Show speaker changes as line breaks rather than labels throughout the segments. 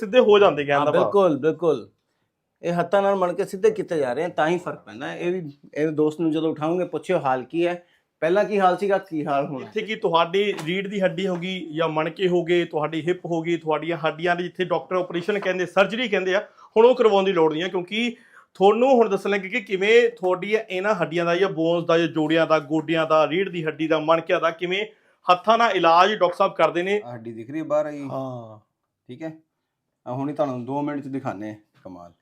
ਸਿੱਧੇ ਹੋ ਜਾਂਦੇ ਕਹਿਣ ਦਾ ਭਾਵ।
ਬਿਲਕੁਲ ਬਿਲਕੁਲ, ਇਹ ਹੱਥਾਂ ਨਾਲ ਮਣ ਕੇ ਸਿੱਧੇ ਕੀਤੇ ਜਾ ਰਹੇ ਆ, ਤਾਂ ਹੀ ਫਰਕ ਪੈਂਦਾ ਹੈ। ਇਹ ਵੀ ਇਹ ਦੋਸਤ ਨੂੰ ਜਦੋਂ ਉਠਾਉਂਗੇ ਪੁੱਛਿਓ ਹਾਲ ਕੀ ਹੈ, ਪਹਿਲਾਂ ਕੀ ਹਾਲ ਸੀਗਾ, ਕੀ ਹਾਲ ਹੋਣਾ।
ਜਿੱਥੇ ਕਿ ਤੁਹਾਡੀ ਰੀੜ ਦੀ ਹੱਡੀ ਹੋ ਗਈ ਜਾਂ ਮਣਕੇ ਹੋ ਗਏ, ਤੁਹਾਡੀ ਹਿਪ ਹੋ ਗਈ, ਤੁਹਾਡੀਆਂ ਹੱਡੀਆਂ ਦੇ ਜਿੱਥੇ ਡਾਕਟਰ ਆਪਰੇਸ਼ਨ ਕਹਿੰਦੇ, ਸਰਜਰੀ ਕਹਿੰਦੇ ਆ, ਹੁਣ ਉਹ ਕਰਵਾਉਣ ਦੀ ਲੋੜ ਨਹੀਂ ਹੈ, ਕਿਉਂਕਿ ਤੁਹਾਨੂੰ ਹੁਣ ਦੱਸਣ ਲੱਗੇ ਕਿ ਕਿਵੇਂ ਤੁਹਾਡੀਆਂ ਇਹਨਾਂ ਹੱਡੀਆਂ ਦਾ ਜਾਂ ਬੋਨਸ ਦਾ ਜਾਂ ਜੋੜਿਆਂ ਦਾ, ਗੋਡਿਆਂ ਦਾ, ਰੀੜ ਦੀ ਹੱਡੀ ਦਾ, ਮਣਕਿਆਂ ਦਾ ਕਿਵੇਂ ਹੱਥਾਂ ਨਾਲ ਇਲਾਜ ਡਾਕਟਰ ਸਾਹਿਬ ਕਰਦੇ ਨੇ।
ਹੱਡੀ ਦਿਖ ਰਹੀ ਹੈ ਬਾਹਰ ਆਈ,
ਹਾਂ
ਠੀਕ ਹੈ। ਹੁਣ ਹੀ ਤੁਹਾਨੂੰ 2 ਮਿੰਟ ਚ ਦਿਖਾਣੇ ਕਮਾਲ।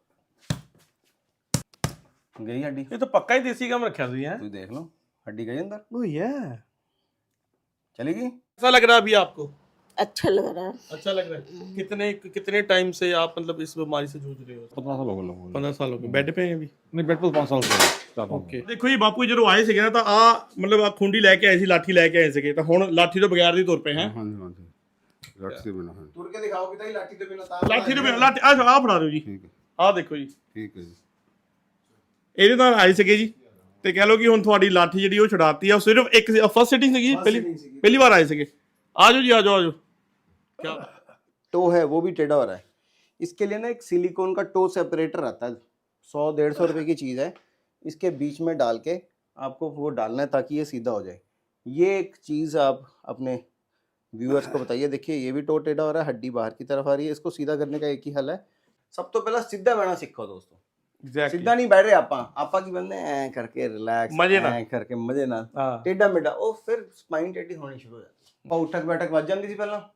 ਗਈ ਹੱਡੀ,
ਇਹ ਤਾਂ ਪੱਕਾ ਹੀ ਦੇਸੀ ਕੰਮ ਰੱਖਿਆ ਤੁਸੀਂ ਹੈ।
ਤੁਸੀਂ ਦੇਖ ਲਓ हड्डी गई अंदर,
वही है।
चली गई।
कैसा लग रहा है अभी आपको?
अच्छा लग रहा है।
अच्छा लग रहा है। कितने टाइम से आप मतलब इस बीमारी से जूझ रहे हो?
15 साल हो गए लोगों को।
15 साल हो गए। बेड पे हैं अभी?
नहीं, बेड पर 5 साल से है।
ਓਕੇ, ਦੇਖੋ ਜੀ ਬਾਪੂ ਜਦੋਂ ਆਏ ਸੀਗੇ ਨਾ ਤਾਂ ਆ ਮਤਲਬ ਆ ਖੁੰਡੀ ਲੈ ਕੇ ਆਏ ਸੀ, ਲਾਠੀ ਲੈ ਕੇ ਆਏ ਸੀਗੇ, ਤਾਂ ਹੁਣ ਲਾਠੀ ਤੋਂ ਬਗੈਰ ਦੀ ਤੁਰ ਪਏ ਹੈ।
हाँ जी, हाँ जी, लाठी से बिना है।
तुर के दिखाओ कि लाठी के बिना
ਲਾਠੀ ਤੋਂ ਬਿਨਾਂ ਲਾਠੀ ਆ ਫੜਾ ਦਿਓ ਜੀ,
ठीक है,
ਆ ਦੇਖੋ ਜੀ,
ठीक है जी।
ਇਹਦੇ ਨਾਲ ਆਏ ਸੀਗੇ ਜੀ, ਤੇ ਕਹਿ ਲਓ ਕਿ ਹੁਣ ਤੁਹਾਡੀ ਲਾਠੀ ਜਿਹੜੀ ਉਹ ਛੁਡਾਤੀ ਆ। ਸਿਰਫ ਇੱਕ ਫਸਟ ਸਿਟਿੰਗ ਸੀਗੀ, ਪਹਿਲੀ ਵਾਰ ਆਏ ਸੀਗੇ। ਆ ਜਾਓ ਜੀ, ਆ ਜਾਓ, ਆ ਜਾਓ। क्या
टो है वो भी टेढ़ा हो रहा है, इसके लिए ना एक सिलिकॉन का टो सेपरेटर आता है, 100-150 रुपए की चीज़ है। इसके बीच में डाल के आपको वो डालना है ताकि ये सीधा हो जाए। ये एक चीज़ आप अपने व्यूअर्स को बताइए। देखिए ये भी टो टेढ़ा हो रहा है, हड्डी बाहर की तरफ आ रही है, इसको सीधा करने का एक ही हल है। सब तो पहला सीधा बैठना सीखो दोस्तों।
Exactly.
सीधा नहीं बैठ रहे आपा की बंदे ऐ करके रिलैक्स,
मजे ना,
ऐ करके मजे ना,
हाँ।
टेढ़ा मेढ़ा, ओ फिर स्पाइन टेढ़ी होनी शुरू हो जाती है। उठक बैठक ਵੱਜ ਜਾਂਦੀ ਸੀ ਪਹਿਲਾਂ,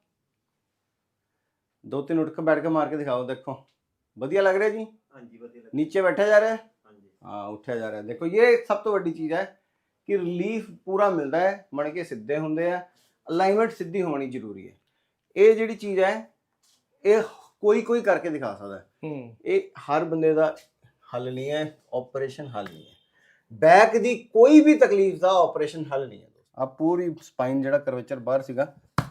2-3 उठ के बैठ के मार के दिखाओ। देखो बढ़िया लग रहा है जी। हाँ जी, बढ़िया। नीचे बैठा जा रहा है, हाँ उठा जा रहा है। देखो ये सब तो बड़ी चीज़ है कि रिलीफ पूरा मिलता है, मणके सीधे होंगे है, अलाइनमेंट सीधी होनी जरूरी है। ये जी चीज़ है ये कोई करके दिखा सकता है, ये हर बंदे का हल नहीं है, ऑपरेशन हल नहीं है। बैक दी कोई भी तकलीफ का ऑपरेशन हल नहीं है। आप पूरी स्पाइन ਜਿਹੜਾ ਕਰਵੇਚਰ ਬਾਹਰ ਸੀਗਾ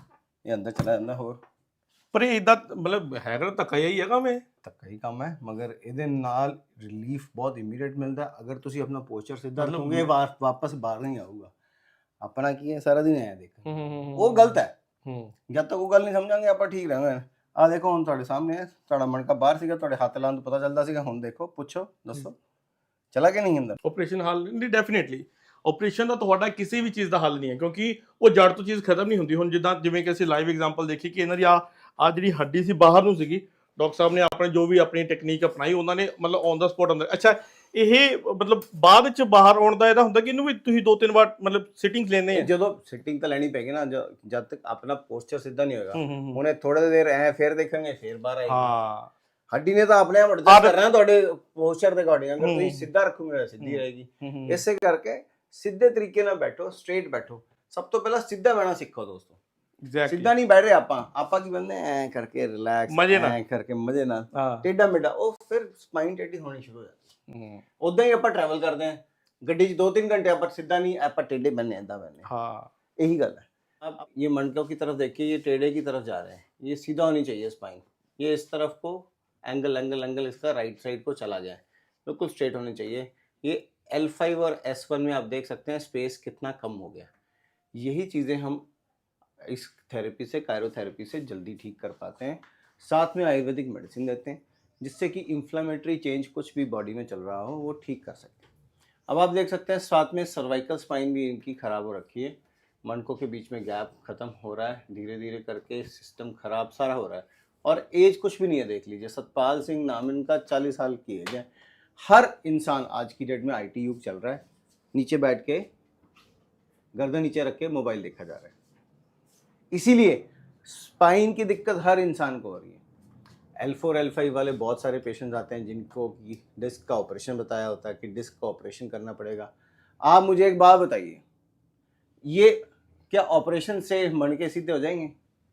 ਇਹ ਅੰਦਰ ਚਲਾ ਜਾਂਦਾ। ਹੋਰ
ਪਰ ਇਹ ਇਦਾਂ ਮਤਲਬ ਹੈਗਾ ਧੱਕਾ ਹੀ ਹੈਗਾ ਮੈਂ
ਧੱਕਾ ਹੀ ਕੰਮ ਹੈ, ਮਗਰ ਇਹਦੇ ਨਾਲ ਰਿਲੀਫ ਬਹੁਤ ਇਮੀਡੀਏਟ ਮਿਲਦਾ ਅਗਰ ਤੁਸੀਂ ਆਪਣਾ ਪੋਸਚਰ ਸਿੱਧਾ ਰੱਖੋਗੇ। ਵਾਪਸ ਬਾਹਰ ਨਹੀਂ ਆਊਗਾ। ਆਪਣਾ ਕੀ ਹੈ ਸਾਰਾ ਦਿਨ ਆਇਆ ਦੇਖ, ਉਹ ਗਲਤ ਹੈ। ਜਦ ਤੱਕ ਉਹ ਗੱਲ ਨਹੀਂ ਸਮਝਾਂਗੇ ਆਪਾਂ ਠੀਕ ਰਹਾਂਗੇ। ਆ ਦੇਖੋ ਹੁਣ ਤੁਹਾਡੇ ਸਾਹਮਣੇ ਤੁਹਾਡਾ ਮਣਕਾ ਬਾਹਰ ਸੀਗਾ, ਤੁਹਾਡੇ ਹੱਥ ਲਾਉਣ ਤੋਂ ਪਤਾ ਚੱਲਦਾ ਸੀਗਾ। ਹੁਣ ਦੇਖੋ, ਪੁੱਛੋ, ਦੱਸੋ ਚਲਾ ਕਿ ਨਹੀਂ ਅੰਦਰ।
ਆਪਰੇਸ਼ਨ ਹੱਲ ਨਹੀਂ, ਡੈਫੀਨੇਟਲੀ ਆਪਰੇਸ਼ਨ ਦਾ ਤੁਹਾਡਾ ਕਿਸੇ ਵੀ ਚੀਜ਼ ਦਾ ਹੱਲ ਨਹੀਂ ਹੈ, ਕਿਉਂਕਿ ਉਹ ਜੜ ਤੋਂ ਚੀਜ਼ ਖਤਮ ਨਹੀਂ ਹੁੰਦੀ। ਹੁਣ ਜਿਵੇਂ ਕਿ ਅਸੀਂ ਲਾਈਵ ਐਗਜ਼ਾਮਪਲ ਦੇਖੀ ਕਿ ਇਹਨਾਂ ਦੀ ਆ ਜਿਹੜੀ ਹੱਡੀ ਸੀ ਬਾਹਰ ਨੂੰ ਸੀਗੀ, ਡਾਕਟਰ ਸਾਹਿਬ ਨੇ ਆਪਣੇ ਜੋ ਵੀ ਆਪਣੀ ਟੈਕਨੀਕ ਅਪਣਾਈ, ਉਹਨਾਂ ਨੇ ਮਤਲਬ ਔਨ ਦਾ ਸਪੌਟ ਅੰਦਰ। ਅੱਛਾ, ਇਹ ਮਤਲਬ ਬਾਅਦ ਵਿੱਚ ਬਾਹਰ ਆਉਣ ਦਾ ਇਹਦਾ ਹੁੰਦਾ ਕਿ ਇਹਨੂੰ ਵੀ ਤੁਸੀਂ 2-3 ਵਾਰ ਮਤਲਬ ਸਿਟਿੰਗ ਲੈਣੇ ਆ।
ਜਦੋਂ ਸਿਟਿੰਗ ਤਾਂ ਲੈਣੀ ਪੈਗੀ ਨਾ, ਜਦ ਤੱਕ ਆਪਣਾ ਪੋਸਚਰ ਸਿੱਧਾ ਨਹੀਂ ਹੋਏਗਾ। ਹੁਣੇ ਥੋੜੇ ਦੇਰ ਐ ਫਿਰ ਦੇਖਾਂਗੇ, ਫਿਰ ਬਾਹਰ ਆਏਗੀ।
ਹਾਂ,
ਹੱਡੀ ਨੇ ਤਾਂ ਆਪਣੇ ਆਪ ਐਡਜਸਟ ਕਰਨਾ ਤੁਹਾਡੇ ਪੋਸਚਰ ਦੇ ਅਕੋਰਡਿੰਗ। ਅਗਰ ਤੁਸੀਂ ਸਿੱਧਾ ਰੱਖੋਗੇ ਸਿੱਧੀ ਰਹੇਗੀ। ਇਸੇ ਕਰਕੇ ਸਿੱਧੇ ਤਰੀਕੇ ਨਾਲ ਬੈਠੋ, ਸਟ੍ਰੇਟ ਬੈਠੋ। ਸਭ ਤੋਂ ਪਹਿਲਾਂ ਸਿੱਧਾ ਬਹਿਣਾ ਸਿੱਖੋ ਦੋਸਤੋ। ਸਿੱਧਾ ਨਹੀਂ ਬੈਠ ਰਹੇ ਆਪਾਂ ਕੀ ਬੰਦੇ ਐ ਕਰਕੇ ਰਿਲੈਕਸ, ਐ ਕਰਕੇ ਮਜ਼ੇ ਨਾਲ, ਟੇਢਾ ਮੇਢਾ, ਉਹ ਫਿਰ ਸਪਾਈਨ ਟੇਢੀ ਹੋਣੀ ਸ਼ੁਰੂ ਹੋ ਜਾਂਦੀ। ਉਦਾਂ ਹੀ ਆਪਾਂ ਟਰੈਵਲ ਕਰਦੇ ਆਂ ਗੱਡੀ 'ਚ 2-3 घंटे, ਆਪਾਂ ਸਿੱਧਾ ਨਹੀਂ, ਆਪਾਂ ਟੇਢੇ बनने ਏਦਾਂ बनने। हाँ, यही गल है। अब ये मनकों की तरफ देखिए, ये टेढ़े की तरफ जा रहे हैं, ये सीधा होनी चाहिए स्पाइन। ये इस तरफ को एंगल इसका राइट साइड को चला जाए, बिल्कुल स्ट्रेट होनी चाहिए। ये L5 और S1 में आप देख सकते हैं स्पेस कितना कम हो गया। यही चीज़ें हम इस थेरेपी से, कायरोथेरेपी से जल्दी ठीक कर पाते हैं। साथ में आयुर्वेदिक मेडिसिन देते हैं जिससे कि इन्फ्लामेटरी चेंज कुछ भी बॉडी में चल रहा हो वो ठीक कर सकते हैं। अब आप देख सकते हैं साथ में सर्वाइकल स्पाइन भी इनकी ख़राब हो रखी है। मनकों के बीच में गैप ख़त्म हो रहा है, धीरे धीरे करके सिस्टम ख़राब सारा हो रहा है। और एज कुछ भी नहीं है, देख लीजिए सतपाल सिंह नाम इनका 40 साल की एज है। हर इंसान आज की डेट में IT युग चल रहा है, नीचे बैठ के गर्दन नीचे रख के मोबाइल देखा जा रहा है। इसीलिए स्पाइन की दिक्कत हर इंसान को हो रही है। L4 L5 वाले बहुत सारे पेशेंट्स आते हैं जिनको कि डिस्क का ऑपरेशन बताया होता है कि डिस्क का ऑपरेशन करना पड़ेगा। आप मुझे एक बात बताइए, ये क्या ऑपरेशन से मणके सीधे हो जाएंगे?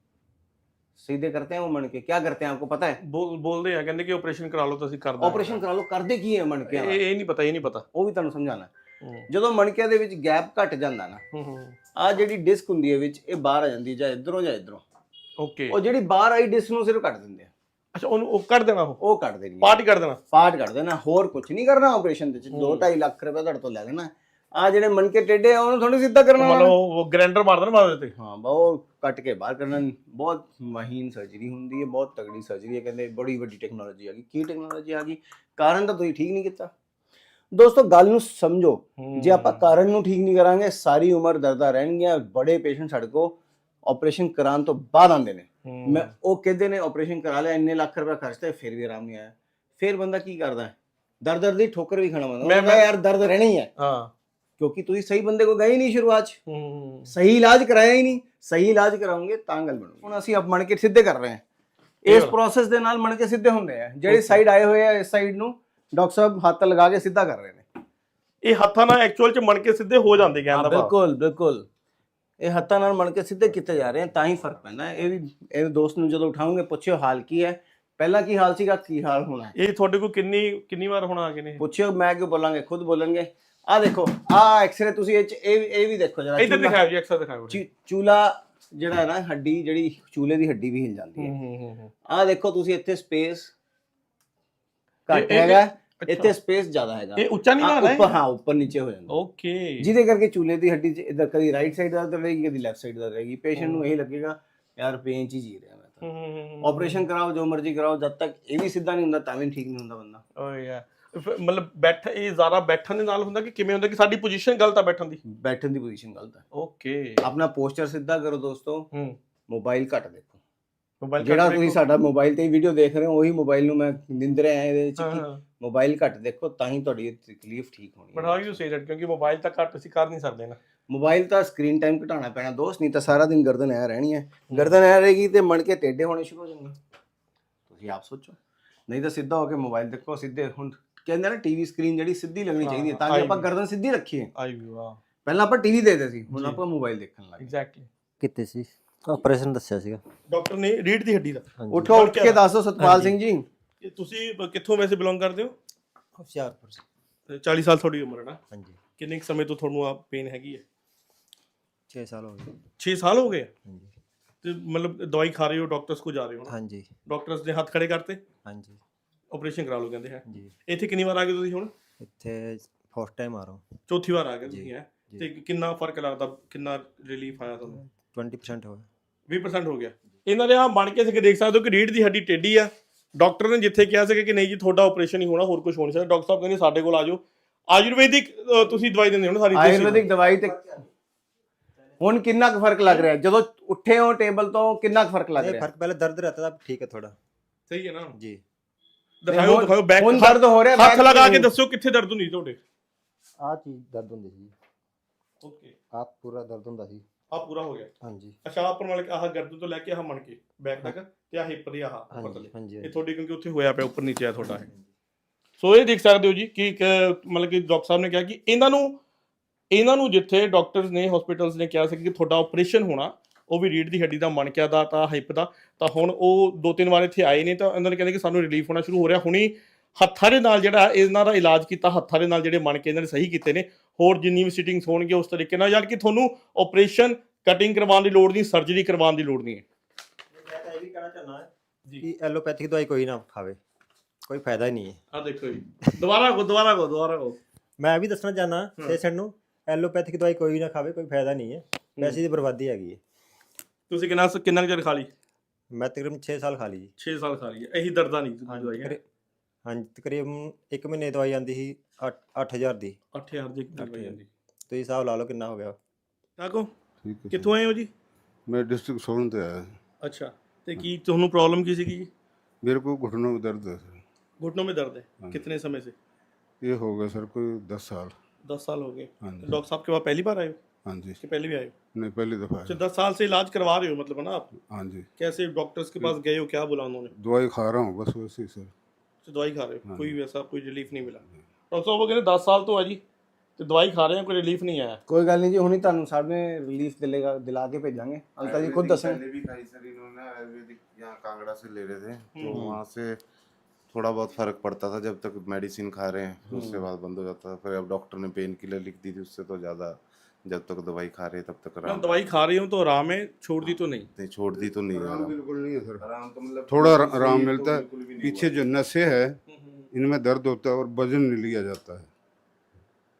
सीधे करते हैं वो मणके? क्या करते हैं आपको पता है?
ਬੋਲਦੇ ਆ, ਕਹਿੰਦੇ ਕਿ ਆਪਰੇਸ਼ਨ ਕਰਾ ਲਓ, ਤੁਸੀਂ ਕਰ ਦਾਂਗੇ।
ਆਪਰੇਸ਼ਨ ਕਰਾ ਲਓ, ਕਰਦੇ ਕੀ ਹੈ ਮਣਕਿਆਂ ਦਾ?
ਇਹ ਨਹੀਂ ਪਤਾ
ਉਹ ਵੀ ਤੁਹਾਨੂੰ ਸਮਝਾਣਾ। ਜਦੋਂ ਮਣਕਿਆਂ ਦੇ ਵਿੱਚ ਗੈਪ ਘਟ ਜਾਂਦਾ ਨਾ, ਆ ਜਿਹੜੀ ਡਿਸਕ ਹੁੰਦੀ ਹੈ ਵਿੱਚ, ਇਹ ਬਾਹਰ ਆ ਜਾਂਦੀ ਹੈ, ਜਾਂ ਇਧਰੋਂ ਜਾਂ ਇਧਰੋਂ।
ਓਕੇ,
ਉਹ ਜਿਹੜੀ ਬਾਹਰ ਆਈ ਡਿਸਕ ਨੂੰ ਸਿਰਫ ਕੱਟ ਦਿੰਦੇ ਆ।
ਅੱਛਾ, ਉਹਨੂੰ ਕੱਢ ਦੇਣਾ,
ਉਹ ਕੱਢ ਦੇਣੀ,
ਪਾਰਟ ਹੀ ਕੱਢ ਦੇਣਾ।
ਪਾਰਟ ਕੱਢ ਦੇਣਾ, ਹੋਰ ਕੁਝ ਨਹੀਂ ਕਰਨਾ ਆਪਰੇਸ਼ਨ ਦੇ ਵਿੱਚ। 2-2.5 ਲੱਖ ਰੁਪਏ ਤੁਹਾਡੇ ਤੋਂ ਲੈ ਲੈਣਾ। ਆ ਜਿਹੜੇ ਮਣਕੇ ਟੇਢੇ ਆ ਉਹਨੂੰ ਥੋੜੀ ਸਿੱਧਾ ਕਰਨਾ
ਮਤਲਬ ਉਹ ਗ੍ਰੈਂਡਰ ਮਾਰਦਾ ਨਾ ਮਾਰਦੇ ਤੇ।
ਹਾਂ ਬਹੁਤ ਕੱਟ ਕੇ ਬਾਹਰ ਕਰਨਾ ਬਹੁਤ ਮਹੀਨ ਸਰਜਰੀ ਹੁੰਦੀ ਹੈ, ਬਹੁਤ ਤਗੜੀ ਸਰਜਰੀ ਹੈ, ਕਹਿੰਦੇ ਬੜੀ ਵੱਡੀ ਟੈਕਨੋਲੋਜੀ ਆ ਗਈ। ਕੀ ਟੈਕਨੋਲੋਜੀ ਆ ਗਈ? ਕਾਰਨ ਤਾਂ ਤੁਸੀਂ ਠੀਕ ਨਹੀਂ ਕੀਤਾ। ਦੋਸਤੋ ਗੱਲ ਨੂੰ ਸਮਝੋ, ਜੇ ਆਪਾਂ ਕਾਰਨ ਨੂੰ ਠੀਕ ਨਹੀਂ ਕਰਾਂਗੇ ਸਾਰੀ ਉਮਰ ਦਰਦਾਂ ਰਹਿਣਗੀਆਂ। ਬੜੇ ਪੇਸ਼ੈਂਟ ਸਾਡੇ ਕੋਲ ਆਪਰੇਸ਼ਨ ਕਰਾਉਣ ਤੋਂ ਬਾਅਦ ਆਉਂਦੇ ਨੇ, ਮੈਂ ਉਹ ਕਹਿੰਦੇ ਨੇ ਆਪਰੇਸ਼ਨ ਕਰਾ ਲਿਆ, ਇੰਨੇ ਲੱਖ ਰੁਪਏ ਖਰਚਤੇ ਫਿਰ ਵੀ ਆਰਾਮ ਨਹੀਂ ਆਇਆ। ਫਿਰ ਬੰਦਾ ਕੀ ਕਰਦਾ ਹੈ? ਦਰਦ ਦੀ ਠੋਕਰ ਵੀ ਖਾਣਾ ਪੈਂਦਾ। ਮੈਂ ਯਾਰ ਦਰਦ ਰਹਿਣਾ ਹੀ ਹੈ,
ਹਾਂ,
ਕਿਉਂਕਿ ਤੁਸੀਂ ਸਹੀ ਬੰਦੇ ਕੋਲ ਗਏ ਹੀ ਨਹੀਂ ਸ਼ੁਰੂਆਤ 'ਚ, ਸਹੀ ਇਲਾਜ ਕਰਾਇਆ ਹੀ ਨਹੀਂ। ਸਹੀ ਇਲਾਜ ਕਰਾਉਂਗੇ ਤਾਂ ਗੱਲ ਬਣੂਗੀ। ਹੁਣ ਅਸੀਂ ਆਪ ਮਣਕੇ ਸਿੱਧੇ ਕਰ ਰਹੇ ਹਾਂ, ਇਸ ਪ੍ਰੋਸੈਸ ਦੇ ਨਾਲ ਮਣਕੇ ਸਿੱਧੇ ਹੁੰਦੇ ਆ। ਜਿਹੜੇ ਸਾਈਡ ਆਏ ਹੋਏ ਆ ਇਸ ਸਾਈਡ ਨੂੰ ਡਾਕਟਰ ਸਾਹਿਬ ਹੱਥ ਲਗਾ ਕੇ ਸਿੱਧਾ ਕਰ ਰਹੇ ਨੇ।
ਇਹ ਹੱਥਾਂ ਨਾਲ ਐਕਚੁਅਲ ਚ ਮਣਕੇ ਸਿੱਧੇ ਹੋ ਜਾਂਦੇ ਕਹਿੰਦਾ ਭਾਵ।
ਬਿਲਕੁਲ ਬਿਲਕੁਲ, ਇਹ ਹੱਥਾਂ ਨਾਲ ਮਣਕੇ ਸਿੱਧੇ ਕੀਤੇ ਜਾ ਰਹੇ ਆ, ਤਾਂ ਹੀ ਫਰਕ ਪੈਂਦਾ। ਇਹ ਵੀ ਇਹ ਦੋਸਤ ਨੂੰ ਜਦੋਂ ਉਠਾਉਂਗੇ ਪੁੱਛਿਓ ਹਾਲ ਕੀ ਹੈ, ਪਹਿਲਾਂ ਕੀ ਹਾਲ ਸੀਗਾ, ਕੀ ਹਾਲ ਹੋਣਾ।
ਇਹ ਤੁਹਾਡੇ ਕੋਲ ਕਿੰਨੀ ਵਾਰ ਹੁਣ ਆ ਗਏ ਨੇ?
ਪੁੱਛਿਓ, ਮੈਂ ਕਿਉਂ ਬੋਲਾਂਗੇ, ਖੁਦ ਬੋਲਣਗੇ। ਆ ਦੇਖੋ ਆ ਐਕਸਰੇ ਤੁਸੀਂ ਇਹ ਵੀ ਦੇਖੋ ਜਰਾ,
ਇੱਧਰ ਦਿਖਾਓ ਜੀ, ਐਕਸਰ ਦਿਖਾਓ।
ਚੂਲਾ ਜਿਹੜਾ ਹੈ ਨਾ, ਹੱਡੀ ਜਿਹੜੀ ਚੂਲੇ ਦੀ ਹੱਡੀ ਵੀ ਹਿਲ ਜਾਂਦੀ ਹੈ। ਆ ਦੇਖੋ ਤੁਸੀਂ, ਇੱਥੇ ਸਪੇਸ ਘੱਟ ਹੈਗਾ, ਇੱਥੇ ਸਪੇਸ ਜ਼ਿਆਦਾ ਹੈਗਾ।
ਇਹ ਉੱਚਾ ਨਹੀਂ ਨਾ
ਉੱਪਰ, ਹਾਂ ਉੱਪਰ ਨੀਚੇ ਹੋ ਜਾਂਦਾ।
ਓਕੇ,
ਜਿਹਦੇ ਕਰਕੇ ਚੂਲੇ ਦੀ ਹੱਡੀ 'ਚ ਇਧਰ ਕਦੀ ਰਾਈਟ ਸਾਈਡ ਦਰਦ ਰਹੇਗੀ, ਕਦੀ ਲੈਫਟ ਸਾਈਡ ਦਰਦ ਰਹੇਗੀ। ਪੇਸ਼ੈਂਟ ਨੂੰ ਇਹ ਲੱਗੇਗਾ ਯਾਰ ਪੇਨ 'ਚ ਹੀ ਜੀ ਰਿਹਾ ਮੈਂ ਤਾਂ। ਆਪਰੇਸ਼ਨ ਕਰਾਓ, ਜੋ ਮਰਜ਼ੀ ਕਰਾਓ, ਜਦ ਤੱਕ ਇਹ ਵੀ ਸਿੱਧਾ ਨਹੀਂ ਹੁੰਦਾ ਤਾਂ ਵੀ ਠੀਕ ਨਹੀਂ ਹੁੰਦਾ ਬੰਦਾ।
ਓ ਯਾਰ, ਮਤਲਬ ਇਹ ਜ਼ਿਆਦਾ ਬੈਠਣ ਦੇ ਨਾਲ ਹੁੰਦਾ ਕਿ ਕਿਵੇਂ ਹੁੰਦਾ ਕਿ ਸਾਡੀ ਪੋਜੀਸ਼ਨ ਗਲਤ ਆ ਬੈਠਣ ਦੀ?
ਬੈਠਣ ਦੀ ਪੋਜੀਸ਼ਨ ਗਲਤ ਹੈ।
ਓਕੇ,
ਆਪਣਾ ਪੋਸਚਰ ਸਿੱਧਾ ਕਰੋ ਦੋਸਤੋ। ਮੋਬਾਈਲ ਘੱਟ ਦੇਖੋ।
ਮੋਬਾਈਲ
ਜਿਹੜਾ ਤੁਸੀਂ ਸਾਡਾ ਮੋਬਾਈਲ ਤੇ ਵੀਡੀਓ ਦੇਖ ਰਹੇ ਹੋ, ਉਹੀ ਮੋਬਾਈਲ ਨੂੰ ਮੈਂ ਨਿੰਦ ਰਿਹਾ ਇਹਦੇ ਵਿੱਚ ਕਿ ਮੋਬਾਈਲ ਘੱਟ ਦੇਖੋ, ਤਾਂ ਹੀ ਤੁਹਾਡੀ ਤਕਲੀਫ ਠੀਕ ਹੋਣੀ ਹੈ।
But how you say that, ਕਿਉਂਕਿ ਮੋਬਾਈਲ ਤਾਂ ਘੱਟ ਅਸੀਂ ਕਰ ਨਹੀਂ ਸਕਦੇ ਨਾ।
ਮੋਬਾਈਲ ਤਾਂ ਸਕਰੀਨ ਟਾਈਮ ਘਟਾਉਣਾ ਪੈਣਾ ਦੋਸਤ, ਨਹੀਂ ਤਾਂ ਸਾਰਾ ਦਿਨ ਗਰਦਨ ਐ ਰਹਿਣੀ ਹੈ। ਗਰਦਨ ਐ ਰਹੇਗੀ ਤੇ ਮਣਕੇ ਟੇਢੇ ਹੋਣੇ ਸ਼ੁਰੂ ਹੋ ਜਾਣਗੇ। ਤੁਸੀਂ ਆਪ ਸੋਚੋ, ਨਹੀਂ ਤਾਂ ਸਿੱਧਾ ਹੋ ਕੇ ਮੋਬਾਈਲ ਦੇਖੋ। ਸਿੱਧੇ ਹੁਣ ਕਹਿੰਦੇ ਨਾ ਟੀਵੀ ਸਕਰੀਨ ਜਿਹੜੀ ਸਿੱਧੀ ਲੱਗਣੀ ਚਾਹੀਦੀ ਹੈ, ਤਾਂ ਕਿ ਆਪਾਂ ਗਰਦਨ ਸਿੱਧੀ ਰੱਖੀਏ। ਪਹਿਲਾਂ ਆਪਾਂ ਟੀਵੀ ਦੇਖਦੇ ਸੀ, ਹੁਣ ਆਪਾਂ ਮੋਬਾਈਲ ਦੇਖਣ ਲੱਗ ਗਏ।
ਐਗਜ਼ੈਕਟਲੀ।
ਕਿਤੇ ਸੀ ਆਪਰੇਸ਼ਨ ਦੱਸਿਆ ਸੀਗਾ
ਡਾਕਟਰ ਨੇ ਰੀੜ ਦੀ ਹੱਡੀ ਦਾ।
ਉੱਠੋ, ਉੱਠ ਕੇ ਦੱਸੋ ਸਤਪਾਲ ਸਿੰਘ ਜੀ।
ਇਹ ਤੁਸੀਂ ਕਿੱਥੋਂ ਵੈਸੇ ਬਿਲੋਂਗ ਕਰਦੇ ਹੋ?
ਹੁਸ਼ਿਆਰਪੁਰ।
40 ਸਾਲ ਤੁਹਾਡੀ ਉਮਰ ਹੈ ਨਾ?
ਹਾਂਜੀ।
ਕਿੰਨੇ ਸਮੇਂ ਤੋਂ ਤੁਹਾਨੂੰ ਆ ਪੇਨ ਹੈਗੀ ਹੈ?
6 ਸਾਲ ਹੋ ਗਏ।
6 ਸਾਲ ਹੋ ਗਏ?
ਹਾਂਜੀ।
ਤੇ ਮਤਲਬ ਦਵਾਈ ਖਾ ਰਹੇ ਹੋ, ਡਾਕਟਰਸ ਕੋ ਜਾ ਰਹੇ ਹੋ ਨਾ?
ਹਾਂਜੀ।
ਡਾਕਟਰਸ ਨੇ ਹੱਥ ਖੜੇ ਕਰਤੇ,
ਹਾਂਜੀ
ਆਪਰੇਸ਼ਨ ਕਰਾ ਲਓ ਕਹਿੰਦੇ ਹੈ
ਜੀ।
ਇੱਥੇ ਕਿੰਨੀ ਵਾਰ ਆ ਗਏ ਤੁਸੀਂ ਹੁਣ?
ਇੱਥੇ ਫਸਟ ਟਾਈਮ ਆ ਰਹਾ ਹੂੰ।
ਚੌਥੀ ਵਾਰ ਆ ਗਏ ਤੁਸੀਂ ਹੈ? ਤੇ ਕਿੰਨਾ ਫਰਕ ਲੱਗਦਾ, ਕਿੰਨਾ ਰਿਲੀਫ ਆਇਆ ਤੁਹਾਨੂੰ?
20% ਹੋਇਆ।
20% ਹੋ ਗਿਆ। ਇਹਨਾਂ ਦੇ ਆ ਬਣ ਕੇ ਸਿੱਕੇ ਦੇਖ ਸਕਦੇ ਹੋ ਕਿ ਰੀੜ ਦੀ ਹੱਡੀ ਟੇਢੀ ਆ। ਡਾਕਟਰ ਨੇ ਜਿੱਥੇ ਕਿਹਾ ਸੀ ਕਿ ਨਹੀਂ ਜੀ ਤੁਹਾਡਾ ਆਪਰੇਸ਼ਨ ਹੀ ਹੋਣਾ, ਹੋਰ ਕੁਝ ਹੋ ਨਹੀਂ ਸਕਦਾ, ਡਾਕਟਰ ਸਾਹਿਬ ਕਹਿੰਦੇ ਸਾਡੇ ਕੋਲ ਆ ਜਾਓ। ਆਯੁਰਵੈਦਿਕ ਤੁਸੀਂ ਦਵਾਈ ਦਿੰਦੇ ਹੋ ਨਾ ਸਾਰੀ?
ਆਯੁਰਵੈਦਿਕ ਦਵਾਈ ਤੇ ਹੁਣ ਕਿੰਨਾ ਕੁ ਫਰਕ ਲੱਗ ਰਿਹਾ? ਜਦੋਂ ਉੱਠੇ ਹੋ ਟੇਬਲ ਤੋਂ ਕਿੰਨਾ ਕੁ ਫਰਕ ਲੱਗ ਰਿਹਾ?
फर्क पहले दर्द रहता था, ठीक है थोड़ा।
ਸਹੀ ਹੈ ਨਾ
जी।
ਦਿਖਾਓ ਬੈਕ।
ਹੁਣ ਦਰਦ ਹੋ ਰਿਹਾ?
ਹੱਥ ਲਗਾ ਕੇ ਦੱਸੋ ਕਿੱਥੇ ਦਰਦ ਹੁੰਦੀ ਤੁਹਾਡੇ?
आ चीज दर्द होंदी सी।
ਓਕੇ,
आप पूरा दर्द होंदा सी।
ਆ ਪੂਰਾ ਹੋ ਗਿਆ।
हाँ जी।
ਅੱਛਾ, ਆਹ ਉੱਪਰ ਵਾਲੇ ਆਹ ਗਰਦਨ ਤੋਂ ਲੈ ਕੇ ਆਹ ਮਣ ਕੇ ਬੈਕ ਤੱਕ ਤੇ ਆਹ ਹਿੱਪ ਦੀ ਆਹ
हाँ
ਉੱਪਰ
जी।
ਥੱਲੇ,
हाँ जी।
ਇਹ ਤੁਹਾਡੀ ਕਿਉਂਕਿ ਉੱਥੇ ਹੋਇਆ ਪਿਆ ਉੱਪਰ ਨੀਚੇ ਆ ਤੁਹਾਡਾ ਹੈ। ਸੋ ਇਹ ਦੇਖ ਸਕਦੇ ਹੋ ਜੀ ਕਿ ਮਤਲਬ ਕਿ ਡਾਕਟਰ ਸਾਹਿਬ ਨੇ ਕਿਹਾ ਕਿ ਇਹਨਾਂ ਨੂੰ ਜਿੱਥੇ ਡਾਕਟਰਸ ਨੇ ਹਸਪੀਟਲਸ ਨੇ ਕਿਹਾ ਸੀ ਕਿ ਤੁਹਾਡਾ ਆਪਰੇਸ਼ਨ ਹੋਣਾ, ਉਹ ਵੀ ਰੀੜ ਦੀ ਹੱਡੀ ਦਾ, ਮਣਕਿਆਂ ਦਾ, ਤਾਂ ਹਿੱਪ ਦਾ, ਤਾਂ ਹੁਣ ਉਹ 2-3 ਵਾਰ ਇੱਥੇ ਆਏ ਨੇ ਤਾਂ ਇਹਨਾਂ ਨੇ ਕਹਿੰਦੇ ਕਿ ਸਾਨੂੰ ਰਿਲੀਫ ਹੋਣਾ ਸ਼ੁਰੂ ਹੋ ਰਿਹਾ। ਹੁਣੀ ਹੱਥਾਂ ਦੇ ਨਾਲ ਜਿਹੜਾ ਇਹਨਾਂ ਦਾ ਇਲਾਜ ਕੀਤਾ, ਹੱਥਾਂ ਦੇ ਨਾਲ ਜਿਹੜੇ ਮਣਕੇ ਇਹਨਾਂ ਨੇ ਸਹੀ ਕੀਤੇ ਨੇ। ਹੋਰ ਜਿੰਨੀ ਵੀ ਸਿਟਿੰਗਸ ਹੋਣਗੇ ਉਸ ਤਰੀਕੇ ਨਾਲ, ਯਾਨੀ ਕਿ ਤੁਹਾਨੂੰ ਆਪਰੇਸ਼ਨ ਕਟਿੰਗ ਕਰਵਾਉਣ ਦੀ ਲੋੜ ਨਹੀਂ, ਸਰਜਰੀ ਕਰਵਾਉਣ ਦੀ ਲੋੜ ਨਹੀਂ ਹੈ।
मैं तो ये भी कहना चाहना है कि एलोपैथिक दवाई कोई ना खावे, कोई फायदा ही नहीं है।
ਆ ਦੇਖੋ ਜੀ, ਦੁਬਾਰਾ ਕੋ
मैं भी दसना चाहना पेशेंट ਨੂੰ एलोपैथिक ਦਵਾਈ ਕੋਈ ਨਾ ਖਾਵੇ, ਕੋਈ ਫਾਇਦਾ ਨਹੀਂ ਹੈ, ਪੈਸੇ ਦੀ ਬਰਬਾਦੀ ਹੈਗੀ ਹੈ।
ਤੁਸੀਂ ਕਿੰਨਾ ਚਿਰ ਖਾ ਲਈ?
ਮੈਂ ਤਕਰੀਬਨ 6 ਸਾਲ ਖਾ ਲਈ ਜੀ।
6 ਸਾਲ ਖਾ ਲਈ ਹੈ। ਇਹੀ ਦਰਦਾਂ ਨਹੀਂ ਦਵਾਈ ਹੈ?
ਹਾਂਜੀ, ਤਕਰੀਬਨ 1 ਮਹੀਨੇ ਦਵਾਈ ਆਉਂਦੀ ਸੀ 8000 ਦੀ।
8000 ਦੀ ਦਵਾਈ ਜਾਂਦੀ।
ਤੁਸੀਂ ਹਿਸਾਬ ਲਾ ਲਓ ਕਿੰਨਾ ਹੋ ਗਿਆ।
ਕਾਕੋ
ठीक है।
ਕਿੱਥੋਂ ਆਏ ਹੋ ਜੀ?
मैं डिस्ट्रिक्ट सोलन से आया।
ਅੱਛਾ, ਤੇ ਕੀ ਤੁਹਾਨੂੰ ਪ੍ਰੋਬਲਮ ਕੀ ਸੀਗੀ ਜੀ?
मेरे को घुटनों में दर्द है सर।
घुटनों में दर्द है? कितने समय से?
ये हो गया सर कोई 10 साल।
10 साल हो गए।
हाँ जी।
डॉक्टर साहब के पास पहली बार आए हो?
हाँ जी।
कि पहले भी आए हो?
नहीं, पहली दफ़ा
अच्छा,
है।
10 साल से इलाज करवा रहे हो मतलब है ना आप?
हाँ जी।
कैसे डॉक्टर्स के पास गए हो, क्या बोला उन्होंने?
दवाई खा रहा हूँ बस वैसे ही सर।
तो दवाई खा रहे हो,
हाँ।
कोई वैसा कोई रिलीफ नहीं मिला? डॉक्टर साहब वो कहते 10 साल तो है जी, तो दवाई खा रहे हैं, कोई रिलीफ नहीं आया।
ਕੋਈ ਗੱਲ ਨਹੀਂ ਜੀ, ਹੁਣੀ ਤੁਹਾਨੂੰ ਸਾਡੇ ਰਿਲੀਫ ਦਿਲਾ ਕੇ ਭੇਜਾਂਗੇ। ਅੰਕਲ ਜੀ खुद दसें।
पहले भी खाई सर इन्होंने, आयुर्वेदिक यहाँ कांगड़ा से ले रहे थे, तो वहाँ से थोड़ा बहुत फर्क पड़ता था जब तक मेडिसिन खा रहे हैं, उसके बाद बंद हो जाता था। फिर अब डॉक्टर ने पेन किलर लिख दी थी, उससे तो ज़्यादा जब तक दवाई खा रहे तब तक आराम।
दवाई खा रही हूँ तो आराम है, छोड़ दी तो नहीं?
नहीं, छोड़ दी तो नहीं
आराम
आराम।
बिल्कुल नहीं है सर।
आराम तो मतलब
थोड़ा
सही
आराम
तो
मिलता है।
बिल्कुल भी नहीं
पीछे जो नसें है इनमें दर्द होता है और वजन नहीं लिया जाता है।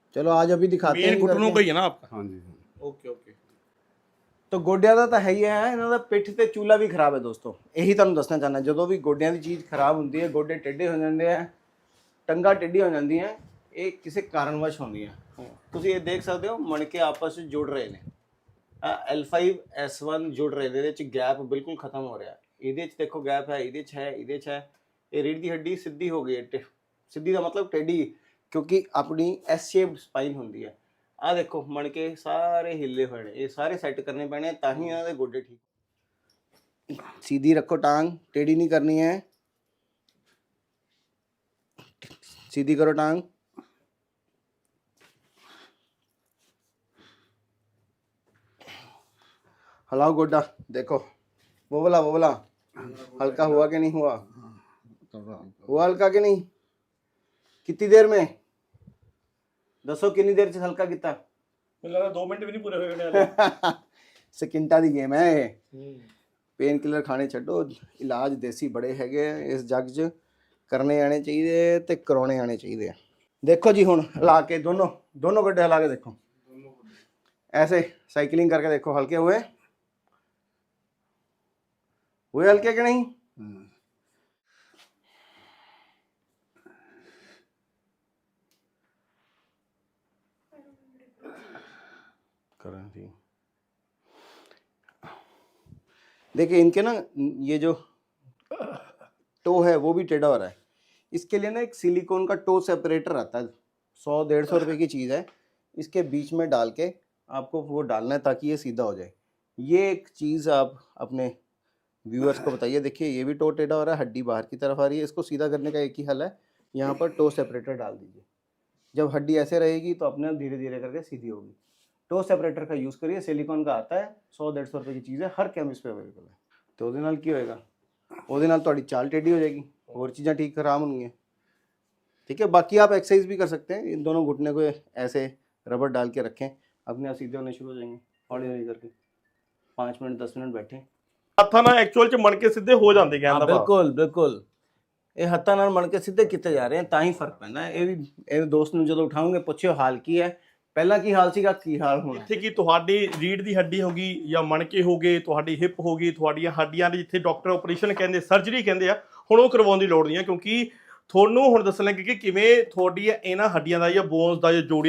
चलो आज अभी दिखाते
मेन
हैं
घुटनों का
करके।
ही है ना आपका?
हाँ जी।
Okay okay.
तो ਗੋਡਿਆਂ ਦਾ ਤਾਂ ਹੈ ਹੀ ਹੈ, ਇਹਨਾਂ ਦਾ ਪਿੱਠ ਤੇ ਚੂਲਾ ਵੀ ਖਰਾਬ ਹੈ ਦੋਸਤੋ। ਇਹੀ ਤੁਹਾਨੂੰ ਦੱਸਣਾ ਚਾਹੁੰਦਾ, ਜਦੋਂ ਵੀ ਗੋਡਿਆਂ ਦੀ ਚੀਜ਼ ਖਰਾਬ ਹੁੰਦੀ ਹੈ, ਗੋਡੇ ਟੇਢੇ ਹੋ ਜਾਂਦੇ ਆ, ਟੰਗਾ ਟੇਢੀ ਹੋ ਜਾਂਦੀਆਂ, ਇਹ ਕਿਸੇ ਕਾਰਨਵਸ਼ ਹੁੰਦੀਆਂ। ਤੁਸੀਂ ਇਹ ਦੇਖ ਸਕਦੇ ਹੋ ਮਣਕੇ ਆਪਸ ਵਿੱਚ ਜੁੜ ਰਹੇ ਨੇ। L5 S1 ਜੁੜ ਰਹੇ ਨੇ, ਇਹਦੇ ਵਿੱਚ ਗੈਪ ਬਿਲਕੁਲ ਖਤਮ ਹੋ ਰਿਹਾ। ਇਹਦੇ ਵਿੱਚ ਦੇਖੋ ਗੈਪ ਹੈ, ਇਹਦੇ 'ਚ ਹੈ, ਇਹਦੇ 'ਚ ਹੈ। ਇਹ ਰੀੜ੍ਹ ਦੀ ਹੱਡੀ ਸਿੱਧੀ ਹੋ ਗਈ ਹੈ, ਸਿੱਧੀ ਦਾ ਮਤਲਬ ਟੇਢੀ, ਕਿਉਂਕਿ ਆਪਣੀ ਐਸ ਸ਼ੇਪਡ ਸਪਾਈਨ ਹੁੰਦੀ ਹੈ। ਆਹ ਦੇਖੋ ਮਣਕੇ ਸਾਰੇ ਹਿੱਲੇ ਹੋਏ ਨੇ, ਇਹ ਸਾਰੇ ਸੈੱਟ ਕਰਨੇ ਪੈਣੇ ਤਾਂ ਹੀ ਇਹਨਾਂ ਦੇ ਗੋਡੇ ਠੀਕ। सीधी रखो टांग, टेढ़ी नहीं करनी है, सीधी करो टांग। हिलाओ गोड्डा, देखो वो वाला हल्का हुआ कि नहीं हुआ? हुआ हल्का कि नहीं? कितनी देर में दसो, कितनी देर से हल्का कितना?
ਮੈਨੂੰ ਲੱਗਦਾ 2 ਮਿੰਟ ਵੀ ਨਹੀਂ ਪੂਰੇ ਹੋਏ ਹੋਣੇ ਹਾਲੇ।
ਸਕਿੰਟਾਂ ਦੀ ਗੇਮ ਹੈ ਇਹ। ਪੇਨ ਕਿਲਰ ਖਾਣੇ ਛੱਡੋ, ਇਲਾਜ ਦੇਸੀ ਬੜੇ ਹੈਗੇ ਆ ਇਸ ਜੱਗ 'ਚ, ਕਰਨੇ ਆਣੇ ਚਾਹੀਦੇ ਤੇ ਕਰਾਉਣੇ ਆਣੇ ਚਾਹੀਦੇ ਆ। ਦੇਖੋ ਜੀ ਹੁਣ ਹਿਲਾ ਕੇ ਦੋਨੋਂ ਗੱਡੇ ਹਿਲਾ ਕੇ ਦੇਖੋ, ऐसे साइकिलिंग करके देखो, हल्के हुए हल्के कि नहीं? करें जी। देखिए इनके ना ये जो टो है वो भी टेढ़ा हो रहा है। इसके लिए ना एक सिलिकॉन का टो सेपरेटर आता है, 100-150 रुपए की चीज़ है। इसके बीच में डाल के आपको वो डालना है ताकि ये सीधा हो जाए। ये एक चीज़ आप अपने व्यूअर्स को बताइए। देखिए ये भी टो टेढ़ा हो रहा है, हड्डी बाहर की तरफ आ रही है। इसको सीधा करने का एक ही हल है, यहाँ पर टो सेपरेटर डाल दीजिए। जब हड्डी ऐसे रहेगी तो अपने आप धीरे धीरे करके सीधी होगी। टो सेपरेटर का यूज़ करिए, सिलिकॉन का आता है, 100-150 रुपए की चीज़ है, हर केमिस्ट पे अवेलेबल है। तो ਉਹਦੇ ਨਾਲ ਕੀ ਹੋਏਗਾ? ਉਹਦੇ ਨਾਲ ਤੁਹਾਡੀ ਚਾਲ ਟੇਢੀ हो जाएगी, और चीज़ें ठीक खराब होंगी। ठीक है, बाकी आप एक्सरसाइज भी कर सकते हैं। इन दोनों घुटने को ऐसे रबर डाल के रखें, अपने आप सीधे होने शुरू हो जाएंगे हौली हौली करके। 5 मिनट 10 मिनट बैठे।
ਹੱਥਾਂ ਨਾਲ ਐਕਚੁਅਲ 'ਚ ਮਣਕੇ ਸਿੱਧੇ ਹੋ ਜਾਂਦੇ ਕਹਿੰਦਾ ਭਾਵ।
ਬਿਲਕੁਲ ਬਿਲਕੁਲ, ਇਹ ਹੱਥਾਂ ਨਾਲ ਮਣ ਕੇ ਸਿੱਧੇ ਕੀਤੇ ਜਾ ਰਹੇ ਹਨ ਤਾਂ ਹੀ ਫਰਕ ਪੈਂਦਾ ਹੈ। ਇਹ ਵੀ ਇਹ ਦੋਸਤ ਨੂੰ ਜਦੋਂ ਉਠਾਉਂਗੇ ਪੁੱਛਿਓ ਹਾਲ ਕੀ ਹੈ, ਪਹਿਲਾਂ ਕੀ ਹਾਲ ਸੀਗਾ, ਕੀ ਹਾਲ ਹੋਣਾ।
ਜਿੱਥੇ ਕਿ ਤੁਹਾਡੀ ਰੀੜ ਦੀ ਹੱਡੀ ਹੋ ਗਈ ਜਾਂ ਮਣਕੇ ਹੋ ਗਏ, ਤੁਹਾਡੀ ਹਿਪ ਹੋ ਗਈ, ਤੁਹਾਡੀਆਂ ਹੱਡੀਆਂ ਦੇ ਜਿੱਥੇ ਡਾਕਟਰ ਆਪਰੇਸ਼ਨ ਕਹਿੰਦੇ, ਸਰਜਰੀ ਕਹਿੰਦੇ ਆ, ਹੁਣ ਉਹ ਕਰਵਾਉਣ ਦੀ ਲੋੜ ਨਹੀਂ ਹੈ। ਕਿਉਂਕਿ ਤੁਹਾਨੂੰ ਹੁਣ ਦੱਸਣ ਲੱਗੇ ਕਿ ਕਿਵੇਂ ਤੁਹਾਡੀ ਇਹਨਾਂ ਹੱਡੀਆਂ ਦਾ ਜਾਂ ਬੋਨਸ ਦਾ ਜਾਂ ਜੋੜੀ